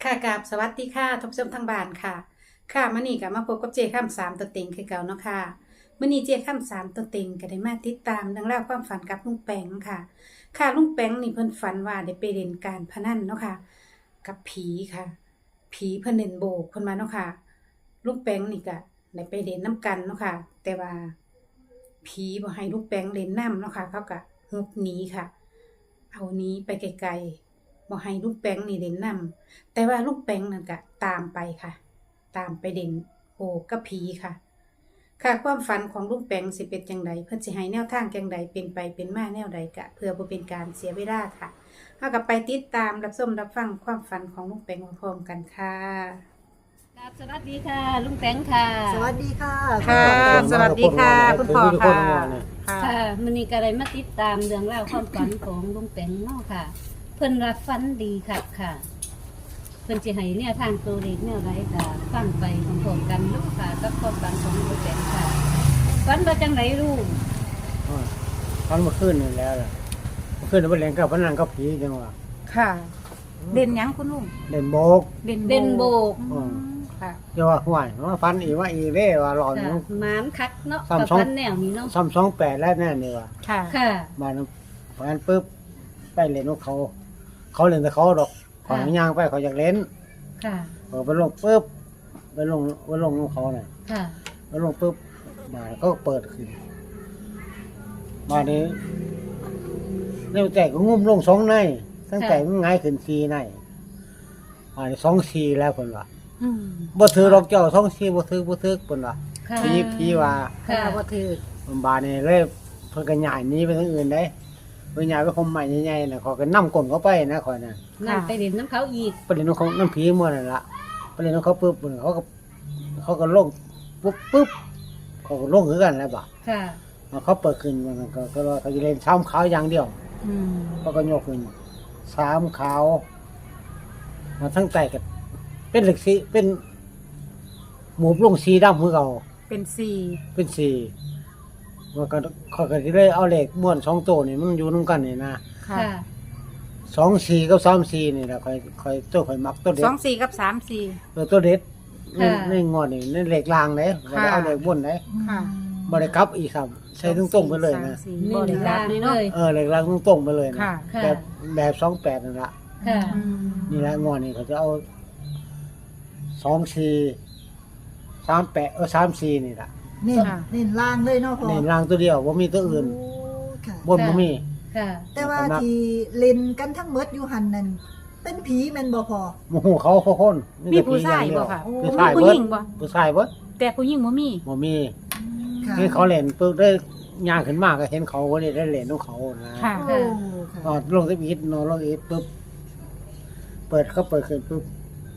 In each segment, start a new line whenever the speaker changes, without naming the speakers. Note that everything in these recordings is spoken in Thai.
ค่ะกราบสวัสดีค่ะท่านผู้ชมทางบ้านค่ะค่ะมื้อนี้ก็มาพบกับเจข้ามสามตัวเต็งคือเก่าเนาะค่ะมื้อนี้เจข้ามสามตัวเต็งก็ได้มาติดตามเรื่องราวความฝันกับลุงแปงค่ะค่ะลุงแปงนี่เพิ่นฝันว่าได้ไปเล่นการพนันเนาะค่ะกับผีค่ะผีเพิ่นเล่นโบกเพิ่นมาเนาะค่ะลุงแปงนี่ก็ได้ไปเล่นน้ำกันเนาะค่ะแต่ว่าผีบ่ให้ลุงแปงเล่นน้ำเนาะค่ะเขาก็ฮุบหนีค่ะเอาหนี้ไปไกลๆบ่ให้ลุงแปงนี่เล่นน้ำ แต่ว่าลูกแป้งนั่นก็ตามไปค่ะ ตามไปเด่นโอ้กับผีค่ะ ค่ะความฝันของลูกแป้งสิเป็นจังใดเพิ่นสิให้แนวทางจังใดเป็นไปเป็นมาแนวใดกะเพื่อบ่เป็นการเสียเวลาค่ะเฮาก็ไปติดตามรับชมรับฟังความฝันของลูกแป้งพร้อมๆกันค่ะ
ครับสวัสดีค่ะลุงแตงค่ะ
สวัสดีค่ะ
ค่ะ สวัสดีค่ะคุณพ่อค่ะค่ะ
ค่ะมันนี้ก็ได้มาติดตามเรื่องราวความฝันของลุงแตงเนาะค่ะ เพิ่นรับฝันดีค่ะ เพิ่นสิให้แนวทางตัวเลขแนวใดก็ฟังไปพร้อมๆกันเนาะค่ะกับความฝันของลุงแตงค่ะฝันว่าจังไดลูก
ฟันเมื่อคืนนี่แล้วล่ะเมื่อคืนนี่มันเล่นกับพนันกับผีจังว่า
ค่ะ เด่นหยังคุณลุง
เล่นโบก
เด่น
เด่นโบก
ค่ะ
เดี๋ยวว่าห่วยว่าฟันอีกว่าอีเร่ว่าหลอน
ค่ะหมานคักเนาะ
ซ้ำ
กับ
สอง
ฝันแนวนี้เนาะ
328แล้วแน่นี่ว่า
ค่ะ
ค่ะ
มาเพราะงั้นปุ๊บไปเล่นของเขา เขาเล่นแต่เขาดอกของย่างไปเขาอยากเล่น
ค่ะ
ไปลงปุ๊บไปลงของเขาน่ะ
ค่ะ
ไปลงปุ๊บมาก็เปิดขึ้นมานี้เร็วแต่ก็งุ่มลง2ในตั้งแต่มันง่ายขึ้น4ในมานี้2 4แล้วเพิ่นว่า
อืม
บ่ถือดอกเจ้า2 4บ่ถือเพิ่นว่า
ค่ะ
ผีว่า
ค่ะบ่ถือ
มันบาดนี่เลยเพิ่นก็ย้ายหนีไปทางอื่นได้เพิ่นย้ายไปคมใหม่ใหญ่ๆน่ะเขาก็นำก้นเขาไปนะข่อยน่ะ
นั่นไปเล่นน้ำเขาอีก
ไปเล่นของน้ำผีมื้อนั่นล่ะไปเล่นของเขาปุ๊บเขาก็ลงปุ๊บเขาก็ลงคือกันแล้วบ่
ค่ะ
เขาเปิดขึ้นมันก็ว่าเขาจะเล่นซ้ำขาวอย่างเดียว
อืม
เขาก็ยกขึ้น3ขาวมาทั้งใต้ก็เป็นเหล็กสีเป็นหมูลงสีดำคือเก่า
เป็นสี่
เป็นสี่มันก็เขาก็จะได้เอาเหล็กม้วน2ตัวนี่มันอยู่นำกันนี่นะ
ค่ะ
ค่ะ
2 4กับ3 4นี่แหละค่อยตัวค่อยมักตัวเด็
ส
ด
องสี่กับสามสี่
ตัวเด็ด
ค่ะ
ในงอนนี่ในเหล็กรางเด้บ่ได้เอาเหล็กบนเด้
ค่ะ
บ่ได้กลับอีกครับใช้ตรงๆไปเลยนะ
สี่
ห
บ่
นึ่ง
ได้
ล่า
รับ
ง
เลย
เล
เนาะ
ย
เหล็กรางตรงๆไปเลยนะ
ค่ะ
ค่ะ
แบบ28นั่นล่ะ
ค่ะ
อืม
นี่แหละงอนนี่เขาจะเอา2 4 38 3 4นี่ล่ะ
เน้นเน้นล่างเลยเนาะพ่อ
นี่รางตัวเดียวบ่มีตัวอื่น
โอ้ค่ะ
บนบ่มี
ค่ะ
แต่ว่าที่เล่นกันทั้งหมดอยู่หันนั่นเป็นผีแม่นบ่พอ
หมู่เขาคน
มีผู้ชายบ่ค่ะ
ผู้ชาย
ผู้
เบิ
ห
ด
ญิงบ่
ผู้ชายเบิด
แต่ผู้หญิงบ่มี
บ่มี
ค่ะ
นี่เขาเล่นปุ๊บได้ย่างขึ้นมาก็เห็นเขาก็ได้เล่นของเขานะ
ค่ะ
โอ้ค่ะ
ลงสวิตนอนลงอีกปุ๊บเปิดขึ้นปุ๊บ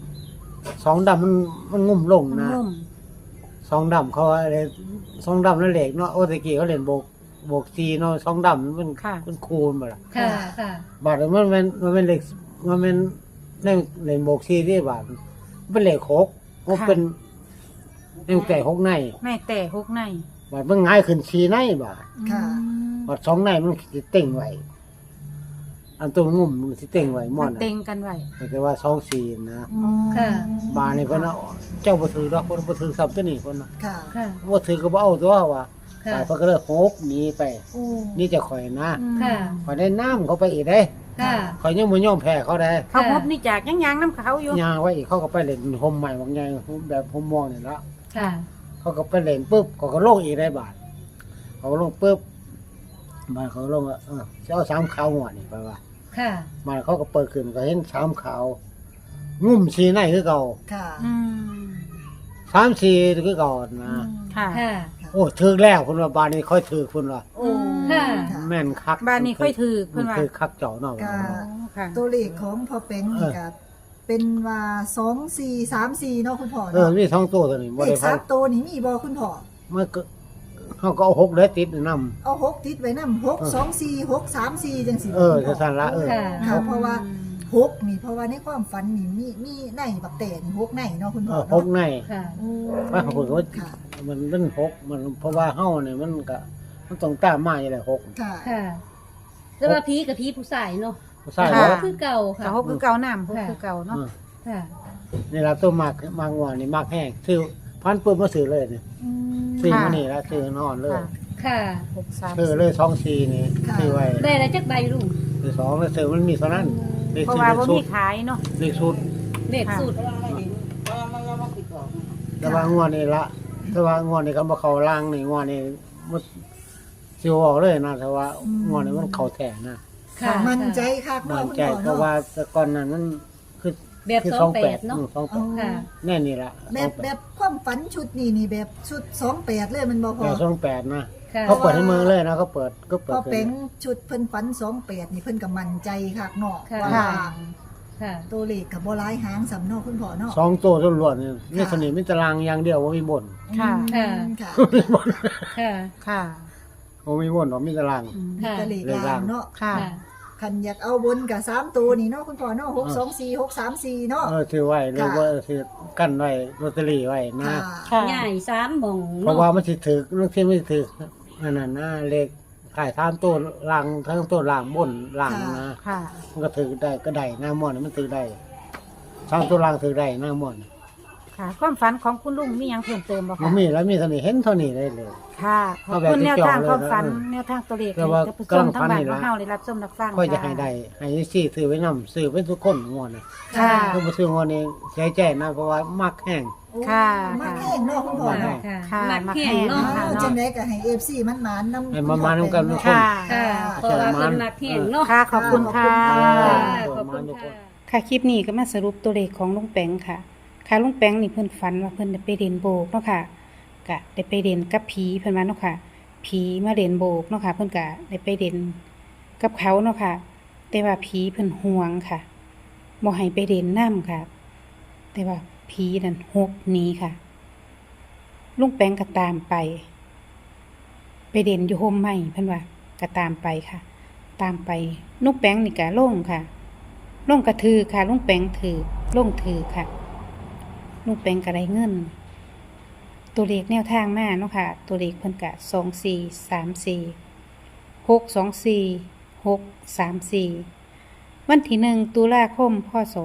2 ดำมันงุ่มลง
มัน
นะ
นุ่ม
2 ดำเขาอะไร2 ดำนั่นเหล็กเนาะโอ้ตะกี้เขาเล่นโบกซีเนาะ2 ดำมันคูณบ่ล่ะ
ค่ะ ค่ะ
บาดมันเป็นเหล็กมันเป็นเล่นโบกซีที่บาดเป็นเหล็กหกมันเป็นเล่นแต่6ใน
แม่แต่หกใน
บาดมันง่ายขึ้น4ในบาด
ค่ะ
บาด2ในมันสิเต็งไว้อันตัวงุ่มมันสิเต็งไว้ม่
มั
อน น
เต็งกันไว้
แต่ว่า2 4นะ
ค่ะ
บาดนี่เพิ่นเอาเจ้าบ่ถือดอกเพิ่นบ่ถือซ้ำตัวนี้เพิ่นน่ะ
ค่ะ
ค่ะ
บ่ถือก็บ่เอาตัวว่า
ค่ะ
สายเพิ่นก็เลยโฮกหนีไป
โอ้
นี่จะข่อยนะ
ค่ะ
ข่อยได้น้ำเขาไปอีกเด้
ค่ะ
ข่อยยังบ่ยอมแพ้เขาได้
เขาพบนี่จากยังยางน้ำเขาอยู่
ย่างไว้อีกเขาก็ไปเล่นห่มใหม่บางอย่างแบบห่มม่วงนี่ละ
ค่ะ
เขาก็ไปเล่นปุ๊บเขาก็ลงอีกได้บาทเขาก็ลงปุ๊บมาเขาลงจะเอา3ขาวหัวนี่ไปว่า
ค่ะ
มาเขาก็เปิดขึ้นก็เห็น3ขาวงุ่มสีในคือเก่า
ค่ะ
อืม
3 4คือเก่านะ
ค่ะ
ค่ะ
โอ้ถึกแล้วเพิ่นว่าบาดนี้ค่อยถึกเพิ่นว่า
โอ้
ค่ะ
แม่นคัก
บ้านนี้ค่อยถือ
เพิ่
เพิ่
น
นว่า
คือคักเจ้าเนาะ
ก็
ค่ะ
ตัวเลขของพ่อเป็งนี่ก็เป็นว่า2434เนาะคุณพ่อ
เออ
เนาะ
มี2ตัวตัวนี้บ่
เล
ได้
ข
พัน
3ตัวนี่มีบ่คุณพ่อ
มันก็เฮาก็เอา6ได้ติดนำ
เอา6ติดไว้นำ624 634จังซี่
เออจะสั่นละเออ
ค่ะ
ค่ะเพราะว่า6นี่เพราะว่าในความฝันนี่มีในบักแต่นี่6ในเนาะคุณพ่อ
พก
เนาะ
ใน
ค่ะ
โอ้
ว่าเขาบอกว่า
ค่ะ
มันเล่นพกมันเพราะว่าเฮาเนี่ยมันก็มันต้องตามมาอยู่แหละพก
ค่ะ
ค่ะแต่ว่าผีกับผีผู้ชายเนาะ
ผู้ชาย
ค่ะ
ว่า
คือเก่าค่ะ
แต่หกคือเก่าน้ำหกคือเก่าเนาะ
เออ
ค่ะ
นี่ละตัวมากงวดนี่มากแห้งซื้อพันปุ๊บมาซื้อเลยนี่
อืม
ซื้อมานี่แล้วซื้อนอนเลย
ค่ะ
ค่ะ
63
ซื้อเลย2-4นี่ซื้อไว้
ได้แล้วจักใบลุง
ซื้อ2แล้วซื้อมันมีเท่านั้นเลข
เพราะ
ซื้อ
ว่า
เลข
บ่
สุ
มี
ด
ขายเนาะ
เลขสุด
เลขสูตร
แต่ว่างวดนี่ละแต่ว่างวดนี่ก็บ่เข้าล่างนี่งวดนี่มันสิออกเลยนะแต่ว่างวดนี่มันเข้าแท้นะ
ค่ะ
มั่นใจคัก
มั่
เนาะ
น
คุณ
ใจ
พ่อ
เพราะ
เนาะ
ว่าแต่ก่อนนั้นมันคือ
แบบ
คือ
28เนาะ
28
ค่ะ
แน่นี่ละ
แบบความฝันชุดนี้นี่แบบชุด28เลยมันบ่พอ
แต่28นะ
ค่ะ
เขาเปิดให้มือเลยนะเขาเปิดก็เปิ
พ
ด
อ
ขึ้
เป็น
น
ชุดเพิ่นฝัน28นี่เพิ่นก็มั่นใจคักเนาะ
ค่ะ
ว่า
ค่ะ
ตัวเลขก็บ่หลายหางสำเนาะคุณพ่อเนาะ
สองตัวล้วนๆนี่นี่สนิทมิตรางอย่างเดียวว่ามีบ่น
ค่ะ
อืมค่ะ
มีบ่น
ค่ะ
ค่ะ
ว่ามีบ่นว่ามีตาราง
อืม
ค่ะ
มีแต่เลข
เลข
ล่า
ล่าง ง
เนาะ
ค่ะ
ค่ะ
คันอยากเอาบนกับ3ตัวนี่เนาะคุณพ่อเนาะ624 634เนาะ
ถือไว้หรือว่าถือกั้นไว้ลอตเตอรี่ไว้นะ
ค่ะ
ค่ะ
ใหญ่3หม่อง
เพราะว่ามันสิถือเรื่องที่ไม่ถือนั่นน่ะนะเลขขาย3ตัวล่างทั้งตัวล่างบนล่างนะ
ค่ะ
มันก็ถือได้ก็ได้หน้าม่อนมันถือได้3ตัวล่างถือได้หน้าม่อน
ค่ะ ความฝันของคุณลุงมีหยังเพิ่มเติมบ่
มั
คะ
นมีแล้วมีเท่านี้เห็นเท่านี้ได้เลย
ค่ะขอบคุณแนวทางความฝันแนวทางตัวเลข
แต่ว่า
ให้ท่านผู้ชมทั้งบ้าน
กำลังฝันนี่
ข
ล่ะ
องเฮาได้รับชมรับฟัง
ค่อยจะให้ได้ให้ซี่ซื้อไว้นำซื้อไว้ทุกคนงวดนะ
ค่ะ
ถ้าบ่ซื้องวดนี้เสียใจนะเพราะว่ามักแห้ง
ค่ะ
มาแห้งเนาะคุณพ่อ
ค่ะ
เนาะ
ค่ะ
ค่ะ
มัก
มัก
แห้
แห้
ง
ง
เนาะ
ค่ะ
จังได๋ก็ให้ FC มันหมานนำ
ให้มันมานำกันทุกคน
ค่ะ
ค่ะเพราะว่าเพิ่นมักแห้งเนาะ
ค่ะ ขอบคุณค่ะ
ค่ะขอบคุณค่ะ
ค่ะคลิปนี้ก็มาสรุปตัวเลขของลุงแปงค่ะ ค่ะลุงแปงนี่เพิ่นฝันว่าเพิ่นได้ไปเรียนโบกเนาะค่ะก็ได้ไปเรียนกับผีเพิ่นว่าเนาะค่ะผีมาเรียนโบกเนาะค่ะ เพิ่นก็ได้ไปเรียนกับเขาเนาะค่ะ แต่ว่าผีเพิ่นห่วงค่ะบ่ให้ไปเรียนน้ำค่ะ แต่ว่าผีนั่นฮกหนีค่ะ ลุงแปงก็ตามไป ไปเรียนอยู่โฮมใหม่เพิ่นว่าก็ตามไปค่ะ ตามไปลุงแปงนี่ก็ลงค่ะ ลงกระถือค่ะลุงแปงถือลงถือค่ะลุงแปงก็ได้เงิน ตัวเลขแนวทางมาเนาะค่ะ ตัวเลขเพิ่นกะ2434 วันที่1ตุลาคมพศ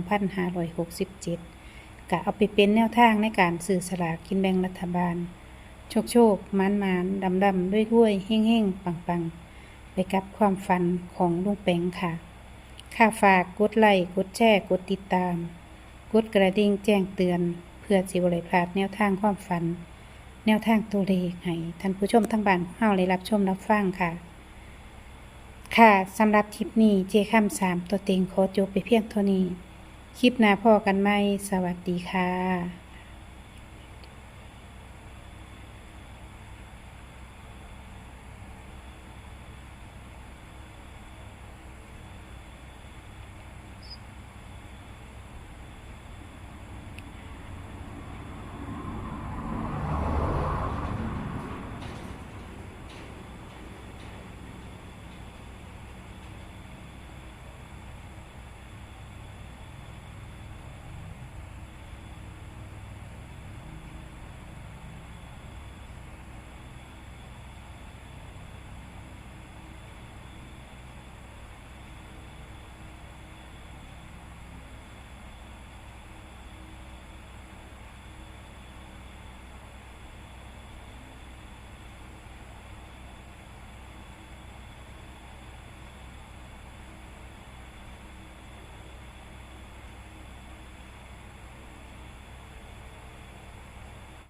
2567กะเอาไปเป็นแนวทางในการซื้อสลากกินแบ่งรัฐบาล โชคมันดำด้วยเฮ่งปังไปกับความฝันของลุงแปงค่ะ ค่ะฝากกดไลค์กดแชร์กดติดตาม กดกระดิ่งแจ้งเตือน เพื่อสิบ่ได้พลาดแนวทางความฝัน แนวทางตัวเลขให้ท่านผู้ชมทั้งบ้านของเฮาได้รับชมรับฟังค่ะ ค่ะสำหรับคลิปนี้เจค่ำ3ตัวเต็งขอจบไปเพียงเท่านี้ คลิปหน้าพอกันไหมสวัสดีค่ะ